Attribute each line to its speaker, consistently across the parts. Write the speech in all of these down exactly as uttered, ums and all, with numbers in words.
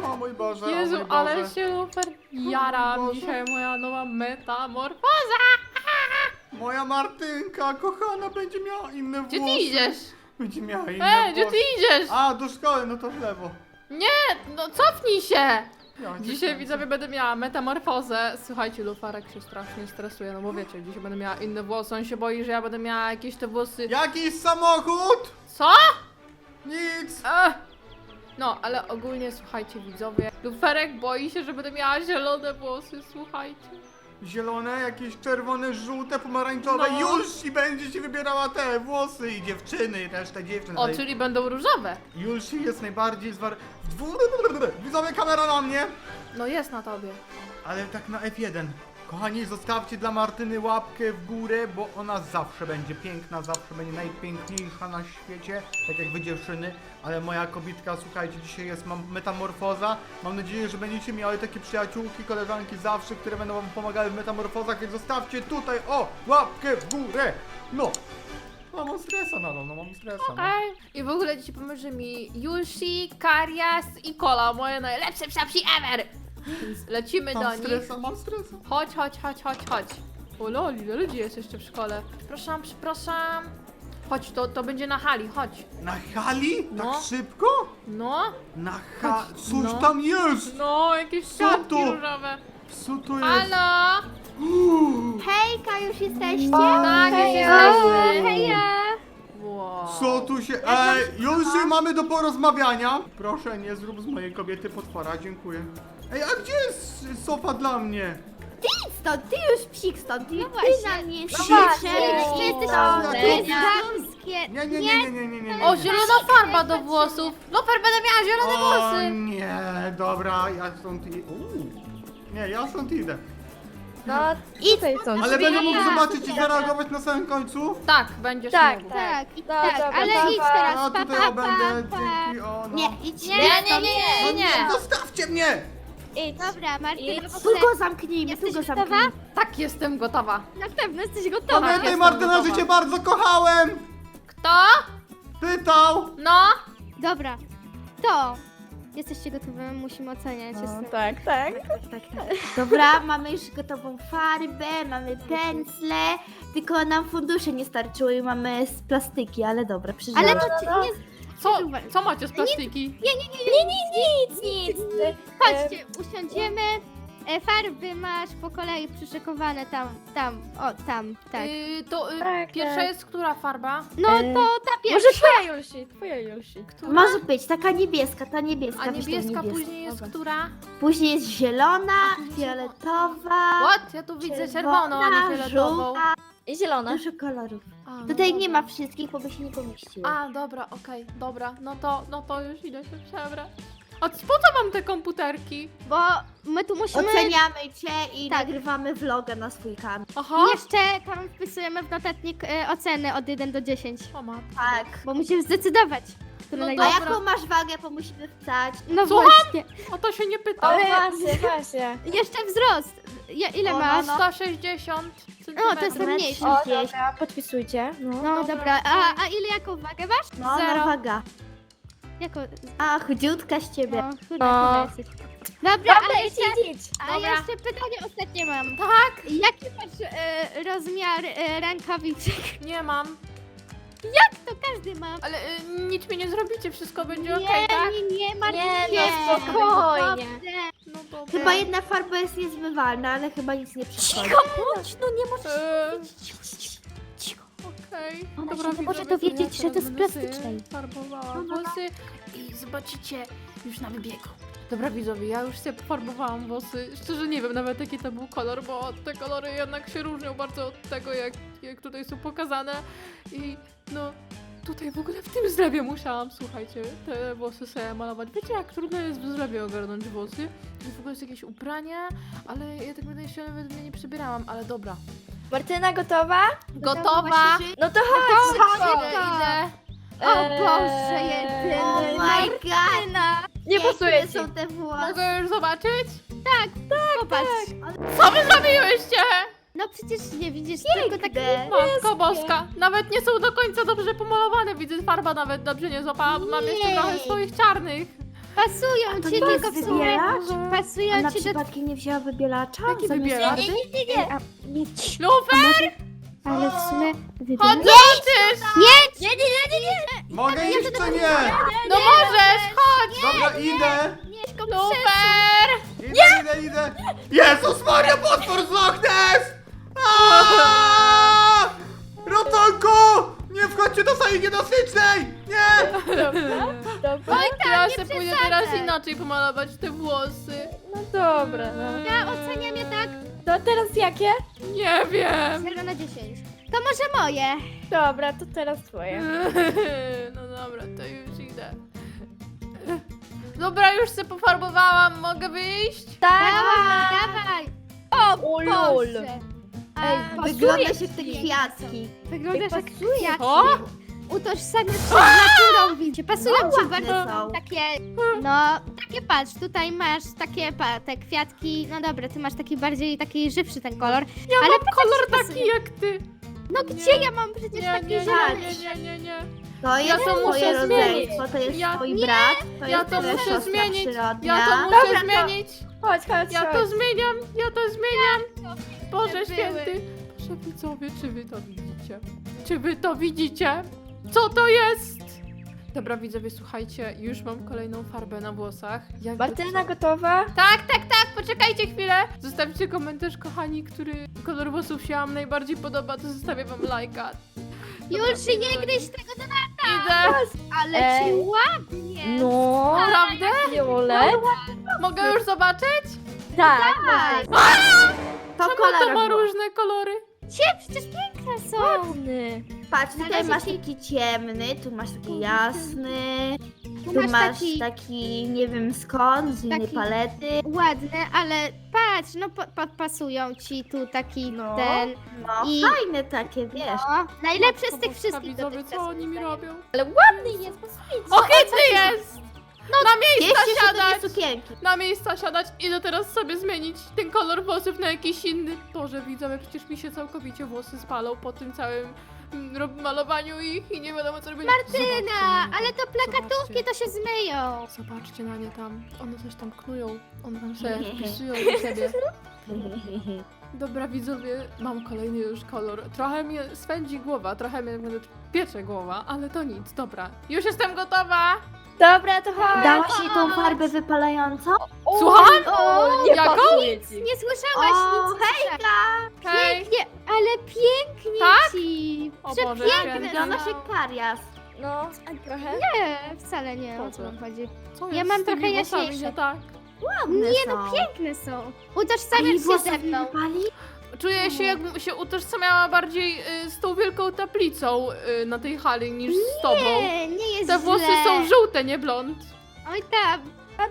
Speaker 1: O mój Boże,
Speaker 2: Jezu,
Speaker 1: o mój
Speaker 2: ale
Speaker 1: Boże.
Speaker 2: się super jaram.
Speaker 1: Boże.
Speaker 2: Dzisiaj moja nowa metamorfoza.
Speaker 1: Moja Martynka, kochana, będzie miała inne
Speaker 2: Gdzie
Speaker 1: włosy.
Speaker 2: ty idziesz?
Speaker 1: Będzie miała inne
Speaker 2: Ej, gdzie
Speaker 1: włosy.
Speaker 2: ty idziesz?
Speaker 1: A, do szkoły, no to w lewo.
Speaker 2: Nie, no cofnij się.
Speaker 1: Ja cię
Speaker 2: Dzisiaj
Speaker 1: kręcę.
Speaker 2: widzowie będę miała metamorfozę. Słuchajcie, Lufarek się strasznie stresuje, no bo wiecie, dzisiaj będę miała inne włosy. On się boi, że ja będę miała jakieś te włosy.
Speaker 1: Jakiś samochód?
Speaker 2: Co?
Speaker 1: Nic.
Speaker 2: Ech. No, ale ogólnie słuchajcie widzowie. Luferek boi się, że będę miała zielone włosy, słuchajcie.
Speaker 1: Zielone, jakieś czerwone, żółte, pomarańczowe.
Speaker 2: No.
Speaker 1: Już i będzie ci wybierała te włosy i dziewczyny i resztę dziewczyn.
Speaker 2: O,
Speaker 1: Ale
Speaker 2: czyli będą różowe.
Speaker 1: już jest najbardziej zwar... w dwu- Widzowie, kamera na mnie.
Speaker 2: No jest na tobie.
Speaker 1: Ale tak na F jeden. Kochani, zostawcie dla Martyny łapkę w górę, bo ona zawsze będzie piękna, zawsze będzie najpiękniejsza na świecie, tak jak wy dziewczyny, ale moja kobietka, słuchajcie, dzisiaj jest mam metamorfoza. Mam nadzieję, że będziecie miały takie przyjaciółki, koleżanki zawsze, które będą wam pomagały w metamorfozach, więc zostawcie tutaj, o, łapkę w górę. No. No mam stresa nadal, no mam stresa. No.
Speaker 2: Okej. I w ogóle dzisiaj pomoże mi Yushi, Karias i Kola, moje najlepsze psiapsi ever. Więc lecimy do
Speaker 1: Mam
Speaker 2: nich.
Speaker 1: stresa, mam stresa.
Speaker 2: Chodź, chodź, chodź, chodź, chodź. O loli, ile ludzi jest jeszcze w szkole. Przepraszam, przepraszam. Chodź, to, to będzie na hali, chodź.
Speaker 1: Na hali?
Speaker 2: No.
Speaker 1: Tak szybko?
Speaker 2: No,
Speaker 1: Na ha...
Speaker 2: Chodź,
Speaker 1: Coś
Speaker 2: no.
Speaker 1: tam jest!
Speaker 2: no, jakieś
Speaker 1: Co
Speaker 2: siatki
Speaker 1: to?
Speaker 2: różowe.
Speaker 1: Co to jest?
Speaker 2: Halo?
Speaker 1: Uuu,
Speaker 3: Hejka, już jesteście?
Speaker 2: Tak, już
Speaker 3: Heja.
Speaker 2: jesteśmy.
Speaker 3: Heja!
Speaker 2: Wow.
Speaker 1: Co tu się... Ej, już się mamy do porozmawiania. Proszę, nie zrób z mojej kobiety potwora, dziękuję. Ej, a gdzie jest sofa dla mnie?
Speaker 3: Ty idź stąd, ty już psik stąd, ty,
Speaker 2: No
Speaker 3: ty
Speaker 2: właśnie.
Speaker 3: na mnie
Speaker 1: Psik?
Speaker 3: krzyczysz,
Speaker 1: O,
Speaker 3: ty jesteś
Speaker 1: tak,
Speaker 3: damskie.
Speaker 1: Nie, nie, nie, nie, nie, nie, nie.
Speaker 2: O, zielona farba do włosów. Loper, będę miała zielone
Speaker 1: O
Speaker 2: włosy.
Speaker 1: nie, dobra, ja stąd idę. Uuu. Nie, ja stąd idę.
Speaker 4: No,
Speaker 3: Idź
Speaker 4: tutaj są
Speaker 1: Ale
Speaker 4: drzwi.
Speaker 1: będę mógł zobaczyć i zareagować na samym końcu?
Speaker 2: Tak, będziesz
Speaker 4: Tak,
Speaker 2: mógł.
Speaker 3: Tak, i
Speaker 4: No,
Speaker 3: tak,
Speaker 4: dobra,
Speaker 3: ale
Speaker 4: pa,
Speaker 3: idź
Speaker 4: pa.
Speaker 3: teraz,
Speaker 1: A
Speaker 3: pa,
Speaker 1: tutaj
Speaker 3: pa,
Speaker 1: o, będę,
Speaker 3: pa, pa.
Speaker 1: dzięki, o no.
Speaker 3: Nie, idź
Speaker 2: Nie, nie, nie,
Speaker 1: No
Speaker 2: nie, nie.
Speaker 1: Zostawcie mnie!
Speaker 4: Idź.
Speaker 3: Dobra, Martyna,
Speaker 4: Idź.
Speaker 3: w
Speaker 4: Tu
Speaker 3: ogóle
Speaker 4: go zamknijmy,
Speaker 3: jesteś
Speaker 4: tu go
Speaker 3: gotowa?
Speaker 4: zamknijmy.
Speaker 2: Tak, jestem gotowa.
Speaker 3: Na pewno jesteś gotowa.
Speaker 1: Pamiętaj
Speaker 2: jestem
Speaker 1: Martyna, że
Speaker 2: gotowa.
Speaker 1: cię bardzo kochałem!
Speaker 2: Kto?
Speaker 1: Pytał!
Speaker 2: No?
Speaker 3: Dobra, to jesteście gotowe, musimy oceniać.
Speaker 4: No,
Speaker 3: Jestem...
Speaker 4: tak, tak.
Speaker 5: Tak, tak. Dobra, mamy już gotową farbę, mamy pędzle, tylko nam fundusze nie starczyły i mamy z plastyki, ale dobra, przeżyłam.
Speaker 3: Ale to ci,
Speaker 4: no.
Speaker 3: nie...
Speaker 2: Co, co macie z plastiki?
Speaker 3: Nie, nie, nie, nie, nic, nic, nic.
Speaker 4: Ty,
Speaker 3: Chodźcie, usiądziemy. E, farby masz po kolei przyszykowane tam, tam, o, tam, tak.
Speaker 2: Yy, to yy,
Speaker 4: Tak,
Speaker 2: pierwsza
Speaker 4: tak.
Speaker 2: jest która farba?
Speaker 3: No
Speaker 4: e,
Speaker 3: to ta
Speaker 4: Może
Speaker 3: pierwsza.
Speaker 4: twoja Julsi, twoja Julsi.
Speaker 2: Która?
Speaker 5: Może być, taka niebieska, ta niebieska.
Speaker 2: A
Speaker 5: weź tą
Speaker 2: niebieska
Speaker 5: niebieską.
Speaker 2: później jest
Speaker 5: Dobra.
Speaker 2: która?
Speaker 5: Później jest zielona,
Speaker 2: później
Speaker 5: fioletowa,
Speaker 2: What? Ja tu widzę czerwoną, a nie fioletową.
Speaker 5: żółta,
Speaker 4: I zielona.
Speaker 5: dużo kolorów.
Speaker 2: A, no
Speaker 5: Tutaj nie
Speaker 2: dobra.
Speaker 5: ma wszystkich, bo by się nie pomieściło.
Speaker 2: A, dobra, okej, dobra. No to, no to już idę się przebrać. A po co mam te komputerki?
Speaker 3: Bo my tu musimy...
Speaker 5: Oceniamy cię i
Speaker 3: Tak.
Speaker 5: nagrywamy vloga na swój kanał.
Speaker 2: Aha.
Speaker 3: Jeszcze tam wpisujemy w notatnik e, oceny od jeden do dziesięciu.
Speaker 2: O matko.
Speaker 5: Tak.
Speaker 3: Bo musimy zdecydować, który
Speaker 2: No
Speaker 5: A
Speaker 3: najlepszy.
Speaker 2: dobra.
Speaker 5: jaką masz wagę, bo musimy wstać.
Speaker 3: No
Speaker 2: Słucham?
Speaker 3: właśnie.
Speaker 2: O to się nie pyta.
Speaker 4: O, właśnie, właśnie.
Speaker 3: Jeszcze wzrost. Ja, ile
Speaker 5: O, no,
Speaker 3: masz?
Speaker 5: no.
Speaker 2: sto sześćdziesiąt
Speaker 3: No, to jestem mniejszy.
Speaker 4: O,
Speaker 5: Gdzieś.
Speaker 4: dobra, podpisujcie. No.
Speaker 3: No
Speaker 2: Dobra,
Speaker 3: dobra,
Speaker 2: okej.
Speaker 3: a, a ile jaką wagę masz?
Speaker 5: No,
Speaker 2: Zero.
Speaker 5: no waga.
Speaker 3: Jako...
Speaker 5: A, chudziutka z ciebie.
Speaker 3: No, chuda,
Speaker 4: No.
Speaker 3: chuda jesteś. Dobra,
Speaker 4: Dobra,
Speaker 3: ale
Speaker 4: idź,
Speaker 3: jeszcze,
Speaker 4: idź, idź.
Speaker 3: a
Speaker 2: Dobra.
Speaker 3: jeszcze pytanie ostatnie mam.
Speaker 2: Tak?
Speaker 3: Jaki masz e, rozmiar e, rękawiczek?
Speaker 2: Nie mam.
Speaker 3: To każdy ma.
Speaker 2: Ale y, nic mi nie zrobicie, wszystko będzie
Speaker 3: Nie,
Speaker 2: okej, tak?
Speaker 3: nie, nie, Martin,
Speaker 4: Nie, no, spokojnie.
Speaker 2: No dobra.
Speaker 5: Chyba jedna farba jest niezmywalna, ale chyba nic nie przeszkodzi.
Speaker 4: Cicho bądź, no nie możesz
Speaker 2: Eee,
Speaker 4: cicho, cicho, cicho.
Speaker 2: Okej.
Speaker 4: Ona
Speaker 2: Dobra,
Speaker 4: się nie może
Speaker 2: widzowie,
Speaker 4: dowiedzieć,
Speaker 2: ja
Speaker 4: że to
Speaker 2: teraz
Speaker 4: jest
Speaker 2: będę sobie
Speaker 4: plastycznej.
Speaker 2: Farbowałam włosy i zobaczycie już na wybiegu. Dobra widzowie, ja już sobie pofarbowałam włosy. Szczerze nie wiem nawet jaki to był kolor, bo te kolory jednak się różnią bardzo od tego jak, jak tutaj są pokazane. I no tutaj w ogóle w tym zlewie musiałam, słuchajcie, te włosy sobie malować. Wiecie jak trudno jest w zlewie ogarnąć włosy? To w ogóle jest jakieś ubrania, ale ja tak będę się nawet mnie nie przebierałam, ale dobra.
Speaker 4: Martyna gotowa?
Speaker 2: Gotowa!
Speaker 4: No to chodź, szybko.
Speaker 2: Idę, idę.
Speaker 3: O
Speaker 4: Eee,
Speaker 3: Boże, jedyny.
Speaker 5: Oh my god!
Speaker 4: Nie pasuje
Speaker 5: Jakie
Speaker 4: ci.
Speaker 5: są te włosy?
Speaker 2: Mogę już zobaczyć?
Speaker 3: Popatrz.
Speaker 2: Co wy zrobiłyście?
Speaker 3: No przecież nie widzisz, tylko tak...
Speaker 5: Piękne.
Speaker 2: Matko boska, nawet nie są do końca dobrze pomalowane. Widzę, farba nawet dobrze nie złapała, bo mam jeszcze
Speaker 3: Nie.
Speaker 2: trochę swoich czarnych.
Speaker 3: Pasują
Speaker 5: To
Speaker 3: ci,
Speaker 5: nie
Speaker 3: tylko
Speaker 5: jest
Speaker 3: w sumie
Speaker 5: wybielacz? A
Speaker 3: pasują
Speaker 5: na
Speaker 3: ci do...
Speaker 5: przypadkiem nie wzięła wybielacza?
Speaker 2: Jaki
Speaker 5: Zamiast
Speaker 2: wybielacz?
Speaker 5: farby?
Speaker 4: Nie, nie, nie. Nie, cii.
Speaker 2: Lufer!
Speaker 3: Ale w sumie
Speaker 2: Chodź,
Speaker 3: wybielacz...
Speaker 2: zobaczysz!
Speaker 3: Nie!
Speaker 4: Nie, nie, nie, nie, nie.
Speaker 1: Mogę iść czy nie?
Speaker 2: No możesz, chodź!
Speaker 1: Dobra, idę!
Speaker 3: Mieszko,
Speaker 2: Lufer!
Speaker 1: Idę, idę, idę! Jezus Maria, potwór z Loch Ness! Aaaa! Ratunku! Nie wchodźcie do sali niedostycznej! Nie!
Speaker 4: Dobra.
Speaker 2: Ja
Speaker 3: nie
Speaker 2: sobie pójdę
Speaker 3: przesadzaj.
Speaker 2: teraz inaczej pomalować te włosy.
Speaker 4: No dobra, no.
Speaker 3: Ja oceniam je tak
Speaker 4: To teraz jakie?
Speaker 2: Nie wiem.
Speaker 3: zero na dziesięć. To może moje.
Speaker 4: Dobra, to teraz twoje.
Speaker 2: No dobra, to już idę. Dobra, już się pofarbowałam, mogę wyjść?
Speaker 4: Tak.
Speaker 3: Dawaj, dawaj.
Speaker 4: O, lol.
Speaker 3: Boże.
Speaker 4: Ej,
Speaker 3: A,
Speaker 4: pasuje
Speaker 5: Wyglądasz jak te
Speaker 3: ci.
Speaker 5: kwiatki.
Speaker 3: Wyglądasz jak
Speaker 4: pasuje.
Speaker 3: kwiat.
Speaker 2: O!
Speaker 3: Utożsamiasz się z naturą, widzicie. Pasują
Speaker 5: No,
Speaker 3: ci
Speaker 5: ładne
Speaker 3: bardzo
Speaker 5: są.
Speaker 3: takie, no, takie patrz, tutaj masz takie, pa, te kwiatki, no dobra, ty masz taki bardziej, taki żywszy ten kolor.
Speaker 2: Ja
Speaker 3: Ale
Speaker 2: mam
Speaker 3: patrz,
Speaker 2: kolor
Speaker 3: jak ci
Speaker 2: taki
Speaker 3: pasuje.
Speaker 2: jak ty.
Speaker 3: No gdzie ja mam przecież
Speaker 2: Nie,
Speaker 3: taki
Speaker 2: nie, nie,
Speaker 3: zielony?
Speaker 2: nie, nie, nie, nie.
Speaker 5: To
Speaker 2: Ja
Speaker 5: jest
Speaker 2: to muszę
Speaker 5: twoje
Speaker 2: zmienić.
Speaker 5: rodzeństwo, to jest
Speaker 2: Ja-
Speaker 5: twój
Speaker 3: Nie.
Speaker 5: brat, to
Speaker 2: Ja
Speaker 5: jest
Speaker 2: to
Speaker 5: twoja
Speaker 2: muszę
Speaker 5: siostra
Speaker 2: zmienić.
Speaker 5: przyrodnia.
Speaker 2: Ja to muszę
Speaker 4: Dobra, to-
Speaker 2: zmienić.
Speaker 4: Chodź, chodź,
Speaker 2: Ja
Speaker 4: chodź.
Speaker 2: to zmieniam, ja to zmieniam. Boże
Speaker 3: były.
Speaker 2: święty. Proszę widzowie, czy wy to widzicie? Czy wy to widzicie? Co to jest? Dobra widzowie, słuchajcie, już mam kolejną farbę na włosach. Jakby
Speaker 4: Martyna
Speaker 2: co?
Speaker 4: gotowa?
Speaker 2: Tak, tak, tak, poczekajcie chwilę. Zostawcie komentarz, kochani, który kolor włosów się wam najbardziej podoba, to zostawię wam lajka. Dobra,
Speaker 3: Już nie
Speaker 2: widzowie,
Speaker 3: gryź tego do
Speaker 2: Idę.
Speaker 3: ale
Speaker 4: Ej.
Speaker 3: ci ładnie.
Speaker 4: No.
Speaker 2: Naprawdę?
Speaker 4: Violet?
Speaker 2: Mogę już zobaczyć?
Speaker 4: Tak.
Speaker 3: Tak.
Speaker 5: To
Speaker 2: Czemu to ma
Speaker 5: kolorowo.
Speaker 2: różne kolory?
Speaker 3: Cie, przecież piękne są.
Speaker 4: Ładny.
Speaker 5: Patrz,
Speaker 3: Na
Speaker 5: tutaj
Speaker 3: razie
Speaker 5: masz
Speaker 3: ci-
Speaker 5: taki ciemny, tu masz taki jasny,
Speaker 3: Tu
Speaker 5: tu
Speaker 3: masz
Speaker 5: masz
Speaker 3: taki
Speaker 5: taki, nie wiem skąd, z innej
Speaker 3: Taki-
Speaker 5: palety.
Speaker 3: ładny, ale patrz, no pa, pa, pasują ci tu taki
Speaker 5: No.
Speaker 3: ten,
Speaker 5: No,
Speaker 3: I-
Speaker 5: fajne takie, wiesz.
Speaker 3: no, najlepszy z
Speaker 2: Matko
Speaker 3: tych
Speaker 2: Boska,
Speaker 3: wszystkich
Speaker 2: widzowie,
Speaker 3: dotychczas,
Speaker 2: co oni mi
Speaker 3: moim
Speaker 2: robią?
Speaker 4: Ale ładny jest, posłuchajcie.
Speaker 2: Ohydny jest! Na miejsca
Speaker 5: Cieszę się, że to
Speaker 2: siadać!
Speaker 5: nie sukienki.
Speaker 2: Na miejsca siadać, idę teraz sobie zmienić ten kolor włosów na jakiś inny. Boże, widzowie, przecież mi się całkowicie włosy spalą po tym całym mm, rob- malowaniu ich i nie wiadomo co robić.
Speaker 3: Martyna, ale to plakatówki to się zmyją.
Speaker 2: Zobaczcie na nie tam, one coś tam knują, one tam sobie wpisują do siebie. Dobra widzowie, mam kolejny już kolor. Trochę mnie swędzi głowa, trochę mnie piecze głowa, ale to nic, dobra. Już jestem gotowa!
Speaker 4: Dobra, to chodź.
Speaker 5: Dałaś jej tą farbę wypalającą?
Speaker 4: O,
Speaker 2: Słucham?
Speaker 4: O, nie
Speaker 2: Jaką?
Speaker 4: pasuje ci.
Speaker 3: Nie słyszałaś
Speaker 5: O,
Speaker 3: nic, hejka!
Speaker 2: Hej!
Speaker 3: Pięknie, ale pięknie
Speaker 2: Tak?
Speaker 3: ci.
Speaker 2: O Boże
Speaker 3: Przepiękne.
Speaker 2: święty.
Speaker 5: Wyglądasz jak karias.
Speaker 4: No, trochę.
Speaker 3: Nie, wcale nie, o co
Speaker 2: Boże.
Speaker 3: wam chodzi.
Speaker 2: Co
Speaker 3: Ja
Speaker 2: jest
Speaker 3: mam
Speaker 2: z tymi
Speaker 3: trochę
Speaker 2: włosami
Speaker 3: jaśniejsze.
Speaker 2: nie tak?
Speaker 5: Ładne
Speaker 3: Nie
Speaker 5: są.
Speaker 3: no, piękne są.
Speaker 5: A jej
Speaker 3: Utożsamiasz się
Speaker 5: włosy
Speaker 3: ze mną.
Speaker 5: wypali?
Speaker 2: Czuję się jakbym się utożsamiała bardziej y, z tą wielką tablicą y, na tej hali niż z tobą.
Speaker 3: Nie, nie jest
Speaker 2: Te włosy
Speaker 3: źle.
Speaker 2: są żółte, nie blond.
Speaker 3: Oj tam,
Speaker 4: Tak,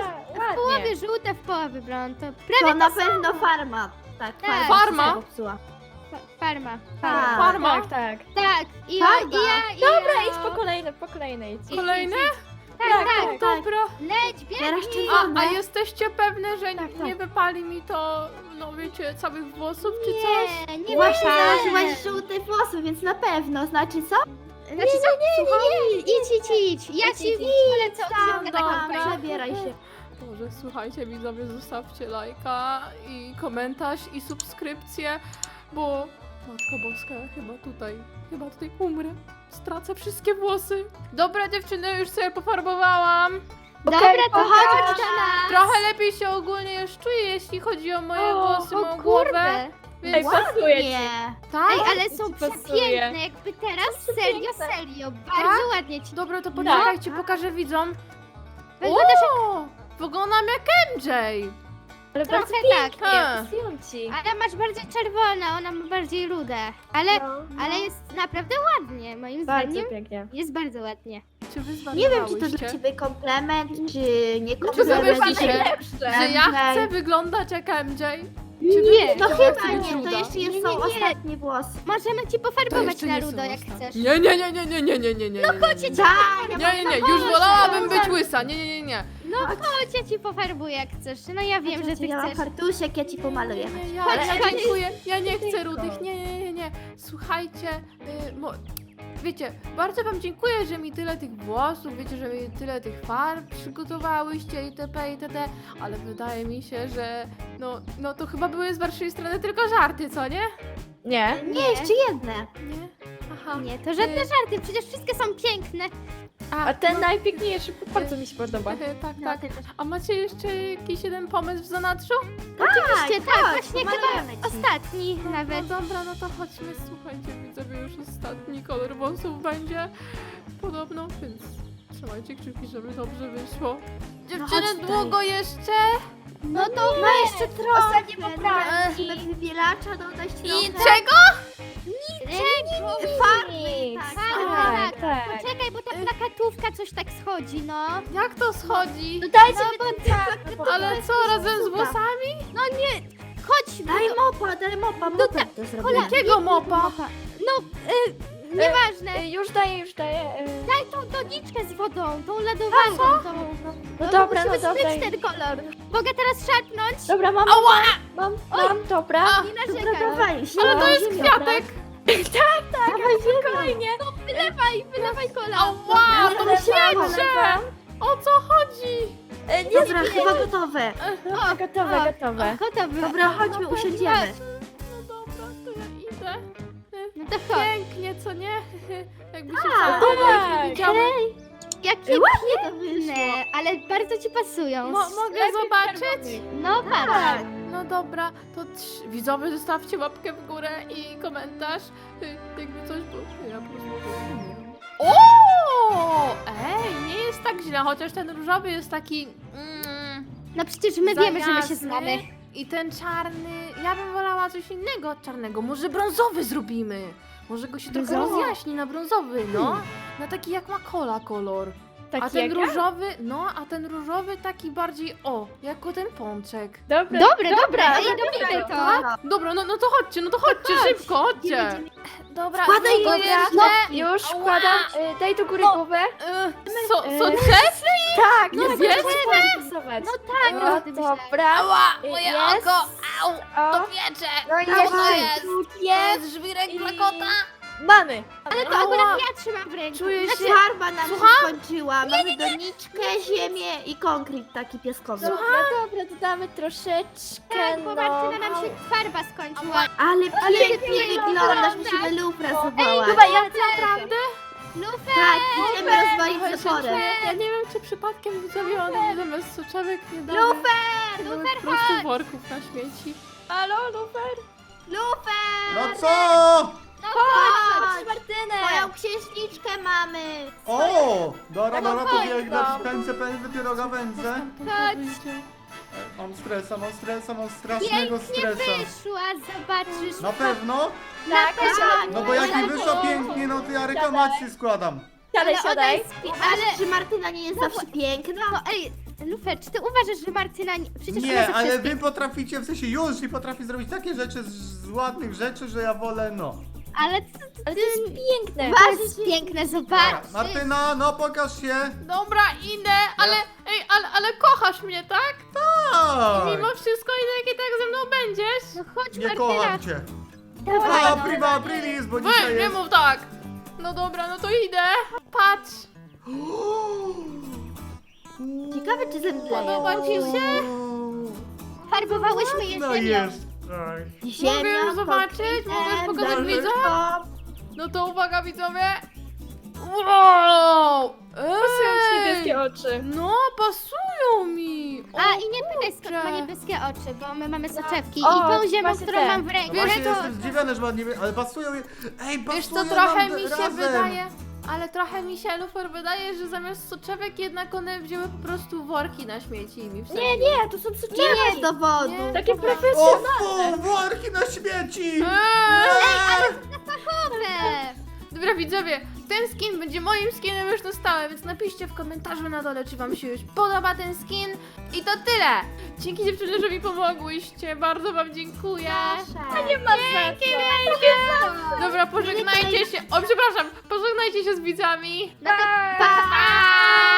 Speaker 3: w połowie
Speaker 4: ładnie.
Speaker 3: żółte, w połowie blond. To
Speaker 5: To
Speaker 3: prawie
Speaker 5: na
Speaker 3: to
Speaker 5: pewno farma. Tak,
Speaker 3: Tak.
Speaker 5: farma.
Speaker 2: Farma?
Speaker 5: się popsuła.
Speaker 3: fa- farma.
Speaker 5: Tak.
Speaker 3: Farma.
Speaker 2: Farma.
Speaker 4: Tak, tak.
Speaker 3: Tak, i, ja,
Speaker 5: Farba.
Speaker 3: i ja, i
Speaker 4: Dobra,
Speaker 3: ja.
Speaker 4: idź po kolejne, po kolejne idź.
Speaker 2: Kolejne?
Speaker 3: Tak,
Speaker 4: Tak,
Speaker 3: tak,
Speaker 5: tak.
Speaker 2: Dobra.
Speaker 3: leć,
Speaker 5: Teraz
Speaker 3: biegnij.
Speaker 2: A,
Speaker 5: czerwone.
Speaker 2: a jesteście pewne, że
Speaker 4: Tak, tak.
Speaker 2: nie wypali mi to, no wiecie, całych włosów czy coś?
Speaker 3: Nie, nie
Speaker 5: Właśnie
Speaker 3: wypali.
Speaker 5: założyłaś żółte włosy, więc na pewno. Znaczy co?
Speaker 3: Znaczy co? Słucham? Idź, idź, idź. Ja
Speaker 5: Idź,
Speaker 3: ci
Speaker 5: idź, idź.
Speaker 3: polecę
Speaker 5: Tam,
Speaker 3: odcinkę
Speaker 2: dobra.
Speaker 3: taką
Speaker 5: tam, przebieraj się.
Speaker 2: Boże, słuchajcie widzowie, zostawcie lajka i komentarz i subskrypcję, bo Matko Boska, ja chyba tutaj, chyba tutaj umrę. Stracę wszystkie włosy. Dobra dziewczyny, już sobie pofarbowałam.
Speaker 3: Dobra, to
Speaker 5: chodź
Speaker 3: chodź
Speaker 5: do
Speaker 3: do nas.
Speaker 2: Trochę lepiej się ogólnie już czuję, jeśli chodzi o moje
Speaker 4: O,
Speaker 2: włosy,
Speaker 3: O
Speaker 2: moją głowę.
Speaker 3: kurde.
Speaker 2: Więc
Speaker 4: Ej, pasuje ci.
Speaker 5: Nie.
Speaker 2: tak?
Speaker 3: Ej, ale są
Speaker 4: ci pasuje.
Speaker 3: przepiękne, jakby teraz, serio,
Speaker 4: przepiękne.
Speaker 3: serio, bardzo ładnie ci.
Speaker 2: Dobra, to poczekajcie,
Speaker 5: Tak.
Speaker 2: pokażę widzom.
Speaker 3: Wyglądasz
Speaker 2: O, wyglądam jak M J.
Speaker 4: Ale
Speaker 3: trochę
Speaker 4: bardzo
Speaker 3: tak,
Speaker 4: pięknie,
Speaker 2: Ha.
Speaker 4: pasują ci.
Speaker 3: ale masz bardziej czerwone, ona ma bardziej rude. Ale,
Speaker 4: No.
Speaker 3: ale jest naprawdę ładnie, moim
Speaker 4: Bardzo
Speaker 3: zdaniem.
Speaker 4: pięknie.
Speaker 3: Jest bardzo ładnie.
Speaker 2: Czy wy
Speaker 5: Nie wiem, czy to dla
Speaker 2: zwariowałyście?
Speaker 5: ciebie komplement, czy nie
Speaker 2: Czy wy
Speaker 5: komplement.
Speaker 2: myślicie,
Speaker 4: Najlepsze.
Speaker 2: że ja
Speaker 5: M J.
Speaker 2: chcę wyglądać jak M J?
Speaker 3: Nie,
Speaker 5: No
Speaker 2: Ja
Speaker 5: chyba
Speaker 2: chcę być
Speaker 5: nie, to
Speaker 2: ruda.
Speaker 5: jeszcze
Speaker 3: Nie,
Speaker 5: jest,
Speaker 3: nie,
Speaker 5: są
Speaker 3: nie.
Speaker 5: ostatnie włosy.
Speaker 3: możemy ci
Speaker 2: To
Speaker 3: pofarbować
Speaker 2: jeszcze
Speaker 3: na
Speaker 2: nie są
Speaker 3: rudo, jak
Speaker 2: ostatnie.
Speaker 3: chcesz.
Speaker 2: Nie, nie, nie, nie, nie, nie, nie, nie, nie.
Speaker 3: No
Speaker 2: nie,
Speaker 3: chodź,
Speaker 2: nie,
Speaker 3: ja
Speaker 2: nie.
Speaker 3: ci
Speaker 5: Tak,
Speaker 2: Nie, nie, nie, już wolałabym być łysa. Nie, nie, nie, nie.
Speaker 3: Chodź, ja ci pofarbuję, jak chcesz. No ja wiem, że ty
Speaker 5: Ja mam
Speaker 3: chcesz.
Speaker 5: fartuszek, ja ci pomaluję.
Speaker 2: Nie, nie, ja,
Speaker 3: Chodź,
Speaker 2: ja
Speaker 3: chodź.
Speaker 2: dziękuję. Ja nie chcę rudych. Nie, nie, nie, nie. Słuchajcie, y, mo, wiecie, bardzo wam dziękuję, że mi tyle tych włosów, wiecie, że mi tyle tych farb przygotowałyście itp. itd. Ale wydaje mi się, że no, no to chyba były z waszej strony tylko żarty, co nie?
Speaker 4: Nie.
Speaker 5: Nie, jeszcze jedne.
Speaker 2: Nie? Aha.
Speaker 3: Nie, to żadne żarty, przecież wszystkie są piękne.
Speaker 4: A ten najpiękniejszy bardzo mi się podoba.
Speaker 2: e, tak,
Speaker 5: No,
Speaker 2: tak.
Speaker 5: ty też.
Speaker 2: A macie jeszcze jakiś jeden pomysł w zanadrzu?
Speaker 3: Oczywiście, tak,
Speaker 5: chodź,
Speaker 3: właśnie
Speaker 5: pomalujemy
Speaker 3: chyba
Speaker 5: ci.
Speaker 3: ostatni
Speaker 2: No
Speaker 3: nawet.
Speaker 2: dobra, no to chodźmy, słuchajcie, widzowie, już ostatni kolor włosów będzie podobno, więc trzymajcie kciuki, żeby dobrze wyszło. Dziewczyny,
Speaker 5: chodź tutaj.
Speaker 2: długo jeszcze?
Speaker 3: No to
Speaker 5: No jeszcze trochę.
Speaker 4: Ostatnie poprawki.
Speaker 5: Musimy wybielacza dodać
Speaker 2: I
Speaker 5: trochę.
Speaker 2: czego?
Speaker 3: Czego?
Speaker 5: Farby, tak.
Speaker 3: Tak,
Speaker 4: Tak, tak.
Speaker 3: Poczekaj, bo ta plakatówka coś tak schodzi, no.
Speaker 2: Jak to schodzi?
Speaker 4: No dajcie
Speaker 3: No
Speaker 4: mi
Speaker 3: bo
Speaker 4: ten czarny,
Speaker 2: Ale co, razem z włosami?
Speaker 3: No nie, chodź, bo
Speaker 5: Daj mopa, daj mopa, mopa to zrobimy.
Speaker 2: Jakiego mopa?
Speaker 3: no, y, nieważne.
Speaker 4: Y, Już daję, już daję. y.
Speaker 3: Daj tą doniczkę z wodą, tą lodowaną. Tą, no,
Speaker 4: No dobra, no
Speaker 3: musimy
Speaker 4: dobra.
Speaker 3: zmyć ten kolor. Mogę teraz szarpnąć?
Speaker 4: Dobra, mam,
Speaker 2: Ała!
Speaker 4: mam, mam, dobra.
Speaker 2: A,
Speaker 3: Nie
Speaker 5: Dobra,
Speaker 3: narzekaj.
Speaker 5: dawaj,
Speaker 2: ale to jest
Speaker 5: ziemią.
Speaker 2: kwiatek!
Speaker 5: Dawaj ziemią.
Speaker 4: Spokojnie.
Speaker 3: Wylewaj, wylewaj kolor.
Speaker 2: Ała, to
Speaker 4: Nalewam,
Speaker 2: świeże!
Speaker 4: nalewam.
Speaker 2: O co chodzi?
Speaker 4: Y, Nie,
Speaker 5: Dobra, chyba gotowe.
Speaker 4: Dobra, gotowe,
Speaker 3: o.
Speaker 4: gotowe.
Speaker 3: Gotowy.
Speaker 5: Dobra, chodźmy, usiądziemy.
Speaker 2: No dobra, to ja idę.
Speaker 3: No to chodź.
Speaker 2: Pięknie, co nie? Jakby się
Speaker 5: Tak.
Speaker 2: wcale nie widziały.
Speaker 3: Jakie
Speaker 5: Ładnie to
Speaker 3: piękne,
Speaker 5: wyszło.
Speaker 3: ale bardzo ci pasują.
Speaker 2: Mo mogę zobaczyć?
Speaker 3: No patrz.
Speaker 5: Tak.
Speaker 2: No dobra, to trz- widzowie zostawcie łapkę w górę i komentarz. Y, Jakby coś było. Ja po prostu nie wiem. O! Ej, nie jest tak źle, chociaż ten różowy jest taki. Mm,
Speaker 3: No przecież my
Speaker 2: za
Speaker 3: wiemy, że my się
Speaker 2: jasny.
Speaker 3: znamy.
Speaker 2: I ten czarny. Ja bym wolała coś innego od czarnego. Może brązowy zrobimy. Może go się trochę
Speaker 3: Brązowy?
Speaker 2: rozjaśni na brązowy, no. Na taki jak ma kola kolor.
Speaker 4: Taki
Speaker 2: A ten
Speaker 4: jak ja?
Speaker 2: różowy, no, a ten różowy taki bardziej, o, jako ten pączek.
Speaker 4: Dobra,
Speaker 3: Dobre, dobre,
Speaker 4: dobra,
Speaker 3: ej,
Speaker 4: dobra,
Speaker 3: robimy to.
Speaker 5: Tak.
Speaker 2: Dobra, no, no to chodźcie, no to chodźcie, szybko, chodźcie. Dobra,
Speaker 5: Wkładaj
Speaker 2: no to
Speaker 5: go,
Speaker 2: jeszcze.
Speaker 4: No, już
Speaker 2: Ała.
Speaker 4: wkładam. Y, Daj do góry
Speaker 2: O.
Speaker 4: głowę.
Speaker 2: Y, so,
Speaker 4: Y,
Speaker 2: so drzesz?
Speaker 4: Tak,
Speaker 2: No
Speaker 4: tak,
Speaker 2: zjesz?
Speaker 4: tak, rysować.
Speaker 3: No tak,
Speaker 4: No,
Speaker 3: no, ty myślałeś.
Speaker 4: dobra.
Speaker 2: Ała,
Speaker 4: Y,
Speaker 2: moje
Speaker 4: jest.
Speaker 2: oko, au, to
Speaker 4: O,
Speaker 2: piecze.
Speaker 4: no i
Speaker 2: Co to
Speaker 5: Dawaj.
Speaker 2: jest? To
Speaker 4: jest.
Speaker 2: jest żwirek
Speaker 4: I-
Speaker 2: dla kota?
Speaker 4: Mamy.
Speaker 3: Ale to
Speaker 2: Ała.
Speaker 3: akurat ja trzymam w ręku.
Speaker 2: Czuję
Speaker 3: Znaczy,
Speaker 2: się...
Speaker 5: Farba nam
Speaker 2: Słucham?
Speaker 5: się skończyła. Mamy doniczkę, ziemię i konkret taki piaskowy.
Speaker 4: Dobra, dobra, dodamy troszeczkę,
Speaker 3: tak, bo
Speaker 4: no.
Speaker 3: Martyna nam się farba skończyła.
Speaker 5: Ale pięknie
Speaker 3: wygląda.
Speaker 5: wyglądasz, musimy lufra zawołać.
Speaker 4: Chyba ja
Speaker 2: Naprawdę?
Speaker 3: Lufer!
Speaker 5: Tak, idziemy rozwalić
Speaker 2: Słuchajcie,
Speaker 5: zaporę.
Speaker 2: Ja nie wiem, czy przypadkiem widzowie one zamiast soczewek nie dały.
Speaker 3: Lufer!
Speaker 2: Były
Speaker 3: Lufer,
Speaker 2: po prostu
Speaker 3: chodź!
Speaker 2: worków na śmieci.
Speaker 4: Halo, Lufer?
Speaker 3: Lufer!
Speaker 1: No co?
Speaker 3: No
Speaker 4: Chodź,
Speaker 3: chodź!
Speaker 4: Martynę.
Speaker 5: Moją księżniczkę mamy.
Speaker 1: O! Dobra, dobra,
Speaker 4: chodź,
Speaker 1: pobiegnę,
Speaker 4: no.
Speaker 1: pędzę, pędzę, pieroga wędzę.
Speaker 3: Chodź.
Speaker 1: E, Mam stresa, mam stresa, mam strasznego
Speaker 3: Pięknie
Speaker 1: stresa.
Speaker 3: wyszła, zobaczysz.
Speaker 1: Na pewno?
Speaker 4: Tak,
Speaker 3: Tak.
Speaker 4: siadaj.
Speaker 1: No bo jak mi wyszło pięknie, no to ja reklamację składam.
Speaker 4: Siadaj,
Speaker 3: Ale ona
Speaker 4: siadaj.
Speaker 3: jest pi-
Speaker 5: Ale że Martyna nie jest zawsze piękna?
Speaker 3: No ej, Lufer, czy ty uważasz, że Martyna... nie- Przecież ona
Speaker 1: Nie,
Speaker 3: zawsze
Speaker 1: ale
Speaker 3: jest
Speaker 1: wy potraficie, w sensie już i potrafi zrobić takie rzeczy z, z ładnych rzeczy, że ja wolę, no.
Speaker 3: Ale to,
Speaker 4: Ale to jest piękne.
Speaker 3: to jest piękne, zobacz.
Speaker 1: Martyna, no pokaż się.
Speaker 2: Dobra, idę, ale, ej, ale, ale kochasz mnie, tak?
Speaker 1: Tak.
Speaker 2: Mimo wszystko i tak i tak ze mną będziesz?
Speaker 3: No chodź,
Speaker 1: Nie
Speaker 3: Martyna.
Speaker 1: kocham cię.
Speaker 3: Dawaj,
Speaker 1: A,
Speaker 3: no.
Speaker 1: prima aprilis, bo
Speaker 2: Wy,
Speaker 1: dzisiaj
Speaker 2: nie
Speaker 1: jest...
Speaker 2: mów tak. No dobra, no to idę. Patrz,
Speaker 5: Ciekawe czy zemdleje.
Speaker 2: podoba ci się?
Speaker 3: Farbowałyśmy je
Speaker 1: No
Speaker 3: ziemią.
Speaker 1: jest. Tak.
Speaker 5: Ziemia,
Speaker 2: Mogę już zobaczyć? Mogę już pokazać
Speaker 5: konkretem,
Speaker 2: widzom? No to uwaga widzowie. Wow!
Speaker 4: Pasują ci
Speaker 2: Ej!
Speaker 4: niebieskie oczy.
Speaker 2: No, pasują mi! O,
Speaker 3: A i nie pytaj skąd
Speaker 2: kurczę.
Speaker 3: ma niebieskie oczy, bo my mamy soczewki
Speaker 4: O,
Speaker 3: i tą ziemią,
Speaker 4: macie
Speaker 3: którą
Speaker 4: te.
Speaker 3: mam w
Speaker 1: No
Speaker 3: ręku.
Speaker 1: właśnie
Speaker 2: to-
Speaker 1: jestem zdziwiony, że ładnie, ale pasują je. Ej, pasują
Speaker 2: Wiesz co, trochę
Speaker 1: nam
Speaker 2: mi się
Speaker 1: razem.
Speaker 2: wydaje, ale trochę mi się, Lufer, wydaje, że zamiast soczewek jednak one wzięły po prostu worki na śmieci i mi wsadziły.
Speaker 4: Nie, nie, to są
Speaker 5: Nie
Speaker 4: soczewki.
Speaker 5: jest dowodu.
Speaker 2: Nie.
Speaker 4: Takie
Speaker 1: O
Speaker 4: profesjonalne.
Speaker 1: fu, worki na śmieci!
Speaker 2: Eee!
Speaker 3: Dobre.
Speaker 2: Dobra widzowie, ten skin będzie moim skinem już na stałe, więc napiszcie w komentarzu na dole, czy wam się już podoba ten skin. I to tyle! Dzięki dziewczyny, że mi pomogłyście, bardzo wam dziękuję.
Speaker 4: Nie ma sensu.
Speaker 2: Dobra, pożegnajcie się, o przepraszam, pożegnajcie się z widzami.
Speaker 3: No to
Speaker 4: Pa!
Speaker 3: pa!